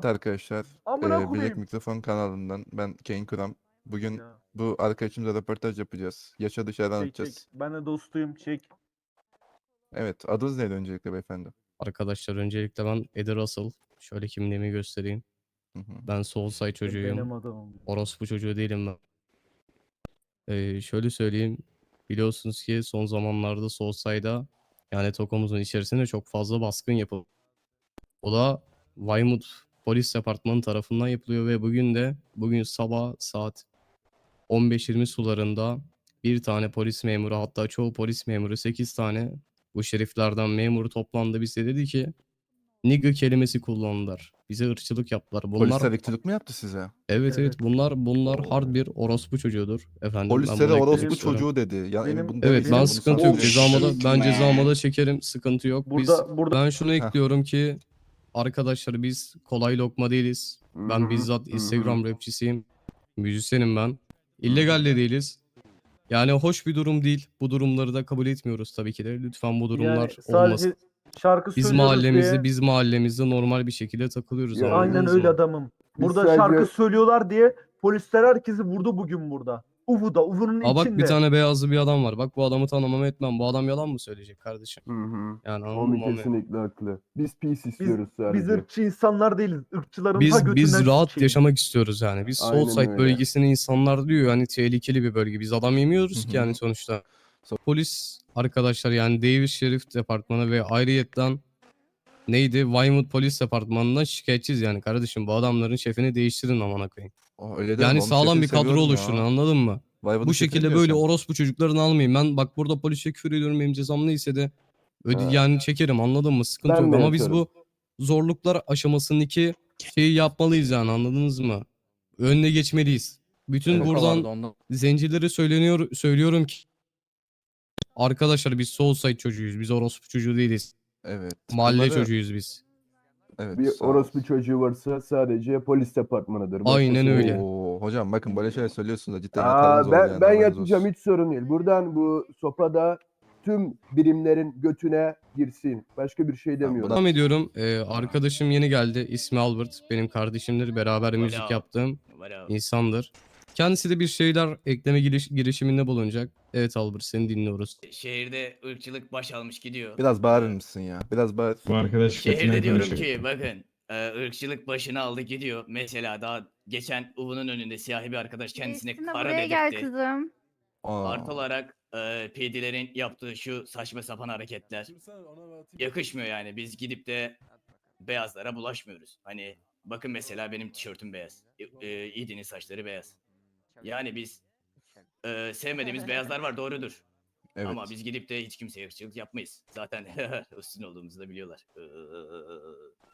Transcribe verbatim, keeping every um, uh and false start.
Evet arkadaşlar, Amına e, Bilek koyayım. Mikrofon kanalından ben Kane Kuram. Bugün Ya, bu arkadaşımızla röportaj yapacağız. Yaşadığı şeyler çek çek. anlatacağız. Ben de dostuyum, çek. Evet, adınız neydi öncelikle beyefendi? Arkadaşlar öncelikle ben Eddie Russell. Şöyle kimliğimi göstereyim. Hı hı. Ben Soulside çocuğuyum. Benim adamım. Orospu çocuğu değilim ben. Ee, şöyle söyleyeyim. Biliyorsunuz ki son zamanlarda Soulside'a yani Tokomuzun içerisinde çok fazla baskın yapıldı. O da Weymouth Polis Departmanı tarafından yapılıyor ve bugün de bugün sabah saat on beş yirmi sularında bir tane polis memuru, hatta çoğu polis memuru, sekiz tane bu şeriflerden memuru toplandı, bize dedi ki nigga kelimesi kullandılar. Bize ırkçılık yaptılar. Bunlar Polisler ırkçılık mı yaptı size? evet evet Evet. bunlar bunlar Oo. hard bir orospu çocuğudur efendim. Ben Polislere bunu eklemek orospu istiyorum. çocuğu dedi. Yani Benim- bunu Evet, demeyin ben de bunu sıkıntı yok. sansürleyin. Cezamı da ben man. cezamı da çekerim. Sıkıntı yok. Biz Burada burada ben şunu Heh. ekliyorum ki arkadaşlar biz kolay lokma değiliz. Ben Hı hı, bizzat hı Instagram hı. rapçisiyim. Müzisyenim ben. İllegal de değiliz. Yani hoş bir durum değil. Bu durumları da kabul etmiyoruz tabii ki de. Lütfen bu durumlar yani olmasın. sadece şarkı Biz söylüyoruz mahallemizde, diye. biz mahallemizde normal bir şekilde takılıyoruz. Ya, Aynen Anladınız öyle mı? adamım. Biz Burada sadece- şarkı söylüyorlar diye polisler herkesi vurdu bugün burada. Uvu'da, Uvu'nun Aa bak, bir içinde. tane beyazlı bir adam var. Bak, bu adamı tanımam etmem. Bu adam yalan mı söyleyecek kardeşim? Hı hı. Yani anladın Omi mı? Omi? kesinlikle haklı. Biz peace Biz, istiyoruz biz sadece. ırkçı insanlar değiliz. Irkçıların ta Biz götünden biz rahat sikeyim. yaşamak istiyoruz yani. Biz Aynen Soulside öyle. bölgesinin insanlar diyor yani tehlikeli bir bölge. Biz adam yemiyoruz Hı ki hı. yani sonuçta. So- Polis arkadaşlar yani Davis Şerif Departmanı ve ayrıyetten neydi? Weymouth Polis Departmanı'ndan şikayetçiyiz yani kardeşim. Bu adamların şefini değiştirin amına koyayım. Oh, öyle deme, Yani onun sağlam şefini bir kadro seviyorum oluşturun, ya. anladın mı? Vayvad'ın Bu şefini şekilde diyor böyle sen. orospu çocuklarını almayayım. Ben bak burada polise küfür ediyorum, benim cezam neyse de öde Ha. yani çekerim, anladın mı? Sıkıntı Ben yok de ama biz yaparım. bu zorluklar aşamasındaki şeyi yapmalıyız yani, anladınız mı? Önüne geçmeliyiz. Bütün Evet. buradan zencilere söyleniyor söylüyorum ki arkadaşlar biz Soulside çocuğuyuz. Biz orospu çocuğu değiliz. Evet. Mahalle Bunları- çocuğuyuz biz. Evet. Bir sağ ol. orospu çocuğu varsa sadece polis departmanıdır. Aynen Başkası öyle. değil. Oo, hocam bakın böyle şeyler söylüyorsunuz da cidden yatarınız Aa, olur ben, yani. ben haberiniz yatacağım, olsun. hiç sorun değil. Buradan bu sopada tüm birimlerin götüne girsin. Başka bir şey demiyorum. buna- Devam ediyorum. Ee, arkadaşım yeni geldi. İsmi Albert. Benim kardeşimdir. Beraber müzik Alo. yaptığım Alo. insandır. Kendisi de bir şeyler ekleme giriş, girişiminde bulunacak. Evet Albert, seni dinliyoruz. Şehirde ırkçılık baş almış gidiyor. Biraz bağırır Ee, mısın ya? Biraz bağır. Bu arkadaş Şehirde götünden diyorum konuşuyor. ki bakın e, ırkçılık başını aldı gidiyor. Mesela daha geçen Uvu'nun önünde siyahi bir arkadaş kendisine Geçtim de kara buraya gel dedirtti. kızım. Aa. Artı olarak e, P D'lerin yaptığı şu saçma sapan hareketler yakışmıyor yani. Biz gidip de beyazlara bulaşmıyoruz. Hani bakın mesela benim tişörtüm beyaz. E, e, İdi'nin saçları beyaz. Yani biz e, sevmediğimiz beyazlar var, doğrudur. Evet. Ama biz gidip de hiç kimseye ırkçılık yapmayız. Zaten üstün olduğumuzu da biliyorlar. Iıı.